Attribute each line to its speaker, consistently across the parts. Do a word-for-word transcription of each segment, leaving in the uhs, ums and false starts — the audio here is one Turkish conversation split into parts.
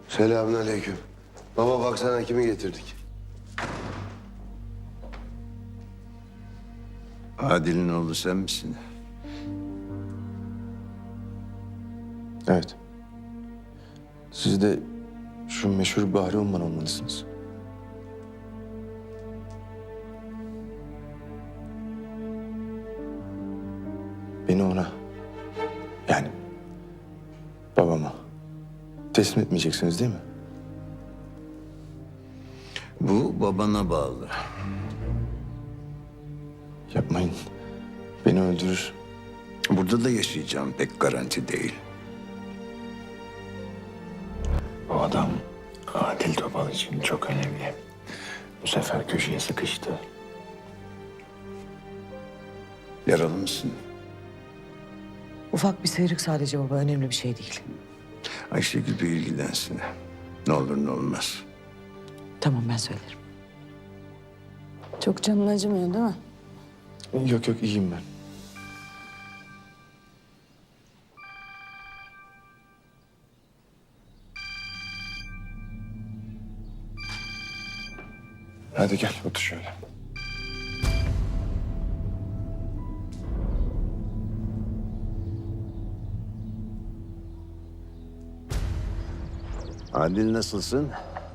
Speaker 1: Selamünaleyküm. Baba baksana kimi getirdik.
Speaker 2: Adil'in oğlu sen misin?
Speaker 3: Evet. Siz de şu meşhur Bahri Umman olmalısınız. Beni ona, yani babama teslim etmeyeceksiniz değil mi?
Speaker 2: Bu babana bağlı.
Speaker 3: Yapmayın. Beni öldürür.
Speaker 2: Burada da yaşayacağım pek garanti değil.
Speaker 4: O adam Adil Topal için çok önemli. Bu sefer köşeye sıkıştı.
Speaker 2: Yaralı mısın?
Speaker 5: Ufak bir sıyrık sadece baba, önemli bir şey değil.
Speaker 2: Ayşegül bir ilgilensin. Ne olur ne olmaz.
Speaker 5: Tamam, ben söylerim.
Speaker 6: Çok canın acımıyor değil mi?
Speaker 3: Yok yok, iyiyim ben. Hadi gel, otur şöyle.
Speaker 2: Adil nasılsın?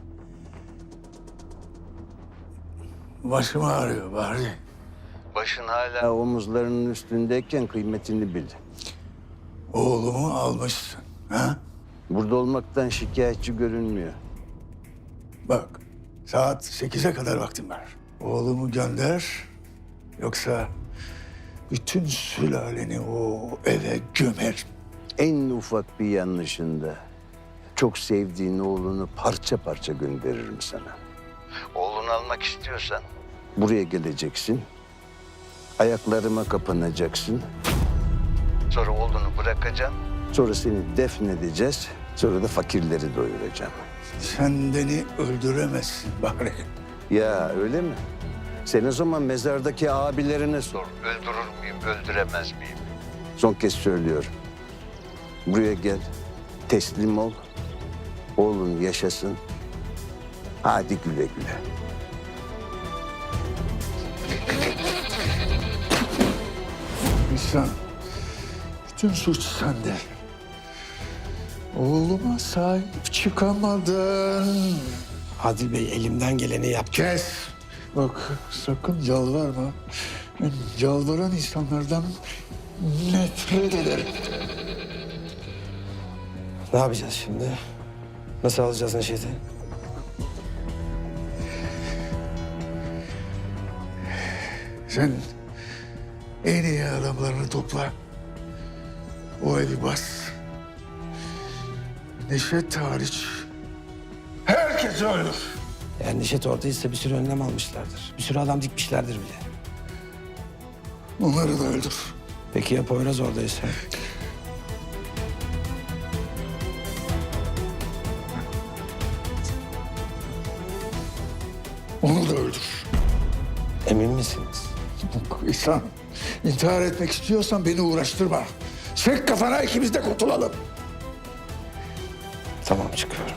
Speaker 4: Başım ağrıyor Bahri.
Speaker 2: Başın hala omuzlarının üstündeyken kıymetini bil.
Speaker 4: Oğlumu almışsın. Ha?
Speaker 2: Burada olmaktan şikayetçi görünmüyor.
Speaker 4: Bak, saat sekize kadar vaktim var. Oğlumu gönder. Yoksa bütün sülaleni o eve gömer.
Speaker 2: En ufak bir yanlışında çok sevdiğin oğlunu parça parça gönderirim sana. Oğlunu almak istiyorsan buraya geleceksin. Ayaklarıma kapanacaksın. Sonra oğlunu bırakacağım. Sonra seni defnedeceğiz. Sonra da fakirleri doyuracağım.
Speaker 4: Sen beni öldüremezsin Bahri.
Speaker 2: Ya öyle mi? Sen o zaman mezardaki abilerine sor. Öldürür müyüm, öldüremez miyim? Son kez söylüyorum. Buraya gel, teslim ol. Oğlun yaşasın. Hadi güle güle.
Speaker 4: İnsan, bütün suç sende. Oğluma sahip çıkamadın.
Speaker 7: Adil Bey elimden geleni yaptı.
Speaker 4: Kes. Bak sakın yalvarma. Ben yalvaran insanlardan nefret ederim.
Speaker 7: Ne yapacağız şimdi? Nasıl alacağız Neşet'i?
Speaker 4: Sen en iyi adamlarını topla. O evi bas. Neşet hariç herkes öldür.
Speaker 7: Yani Neşet oradaysa bir sürü önlem almışlardır. Bir sürü adam dikmişlerdir bile.
Speaker 4: Onları da öldür.
Speaker 7: Peki ya Poyraz oradaysa?
Speaker 4: Onu da öldür.
Speaker 7: Emin misiniz?
Speaker 4: İhsan, intihar etmek istiyorsan beni uğraştırma. Çek kafana, ikimiz de kurtulalım.
Speaker 7: Tamam, çıkıyorum.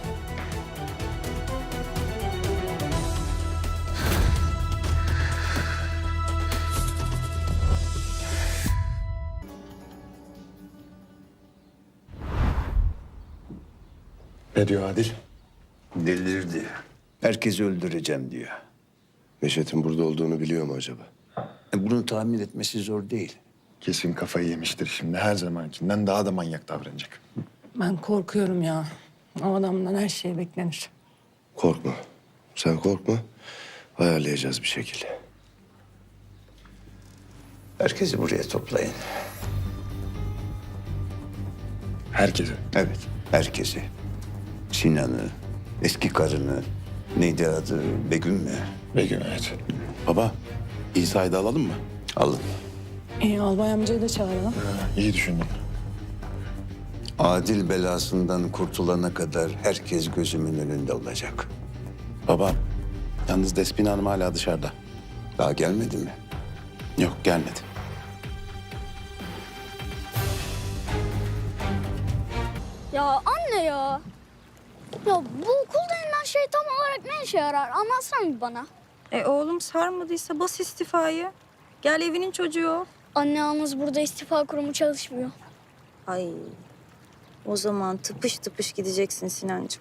Speaker 3: Ne diyor Adil?
Speaker 2: Delirdi. Herkesi öldüreceğim diyor.
Speaker 1: Neşet'in burada olduğunu biliyor mu acaba?
Speaker 2: E, Bunu tahmin etmesi zor değil.
Speaker 3: Kesin kafayı yemiştir şimdi. Her zamankinden daha da manyak davranacak.
Speaker 6: Ben korkuyorum ya. O adamdan her şey beklenir.
Speaker 1: Korkma. Sen korkma. Ayarlayacağız bir şekilde.
Speaker 2: Herkesi buraya toplayın.
Speaker 3: Herkese.
Speaker 2: Evet, herkesi. Sinan'ı, eski karını, neydi adı, Begüm mü?
Speaker 3: Begüm, evet. Baba, İsa'yı da alalım mı?
Speaker 2: Alın.
Speaker 6: İyi, albay amcayı da çağıralım.
Speaker 3: İyi düşündün.
Speaker 2: Adil belasından kurtulana kadar herkes gözümün önünde olacak.
Speaker 3: Baba, yalnız Despina Hanım hala dışarıda.
Speaker 2: Daha gelmedi mi?
Speaker 3: Yok, gelmedi.
Speaker 8: Ya anne ya. Ya bu okul denilen şey tam olarak ne işe yarar? Anlatsana bir bana.
Speaker 9: E oğlum sarmadıysa bas istifayı. Gel evinin çocuğu ol.
Speaker 8: Anne yalnız burada istifa kurumu çalışmıyor.
Speaker 9: Ay o zaman tıpış tıpış gideceksin Sinancığım.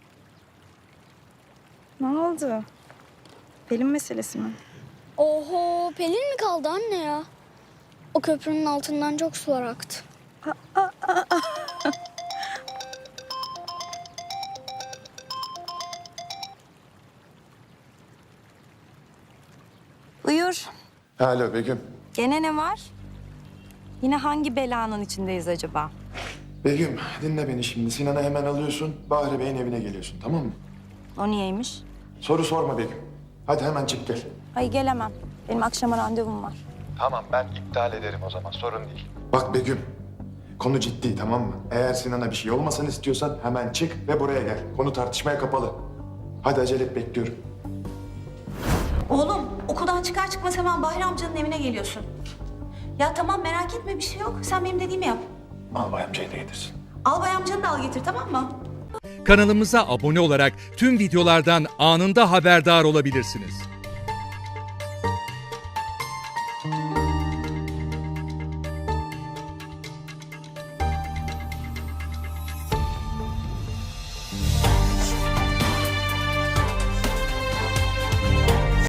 Speaker 9: Ne oldu? Pelin meselesi mi?
Speaker 8: Oho, Pelin mi kaldı anne ya? O köprünün altından çok sular aktı.
Speaker 9: Buyur.
Speaker 3: Alo Begüm.
Speaker 9: Gene ne var? Yine hangi belanın içindeyiz acaba?
Speaker 3: Begüm dinle beni şimdi. Sinan'ı hemen alıyorsun. Bahri Bey'in evine geliyorsun tamam mı?
Speaker 9: O niyeymiş?
Speaker 3: Soru sorma Begüm. Hadi hemen çık gel.
Speaker 9: Ay gelemem. Benim akşama randevum var.
Speaker 3: Tamam ben iptal ederim o zaman sorun değil. Bak Begüm. Konu ciddi tamam mı? Eğer Sinan'a bir şey olmasını istiyorsan hemen çık ve buraya gel. Konu tartışmaya kapalı. Hadi acele et bekliyorum.
Speaker 10: Oğlum okuldan çıkar çıkmaz hemen Bahri amcanın evine geliyorsun. Ya tamam merak etme bir şey yok. Sen benim dediğimi yap.
Speaker 3: Albay amcayı da getirsin.
Speaker 10: Albay amcanı da al getir tamam mı?
Speaker 11: Kanalımıza abone olarak tüm videolardan anında haberdar olabilirsiniz.